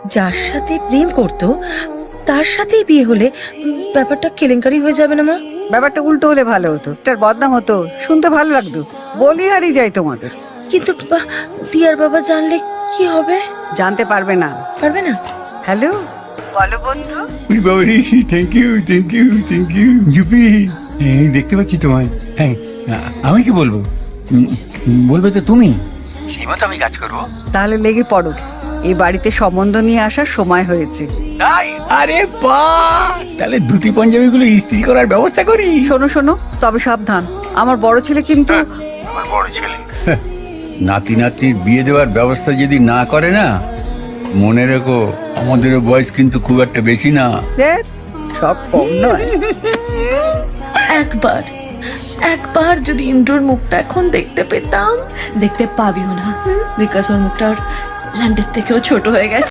যার সাথে প্রেম করতো তার সাথেই বিয়ে হলে ব্যাপারটা কেলেঙ্কারি হয়ে যাবে না মা? ব্যাপারটা উল্টো হলে ভালো হতো, তার বদনাম হতো, শুনতে ভালো লাগতো, বলি হারিয়ে যায় তোমাদের। কিন্তু দিয়ার বাবা জানলে কি হবে? জানতে পারবে না। পারবে না? হ্যালো, বলো বন্ধু। Thank you thank you thank you জুপি, এই দেখতে পাচ্ছি তোমায়। হ্যাঁ, আমি কি বলবো? বলবে তো তুমি, সেই মতো আমি কাজ করবো। তাহলে লেগে পড়ো, এই বাড়িতে সম্বন্ধ নিয়ে আসার সময় হয়েছে। তাই? আরে বাহ, তাহলে ধুতি পাঞ্জাবি গুলো ইস্ত্রি করার ব্যবস্থা করি। শোনো শোনো, তবে সাবধান, আমার বড় ছেলে কিন্তু। আমার বড় ছেলে নাতি নাতনির বিয়ে দেওয়ার ব্যবস্থা যদি না করে না, মনে রেখো আমাদেরও বয়স কিন্তু খুব একটা বেশি না। দেখ, সব কম নয়। একবার যদি ইন্দ্রর মুখটা এখন দেখতে পেতাম। দেখতে পাবিও না, বিকজ ওর মুখটা ওর ল্যান্ডের থেকেও ছোট হয়ে গেছে।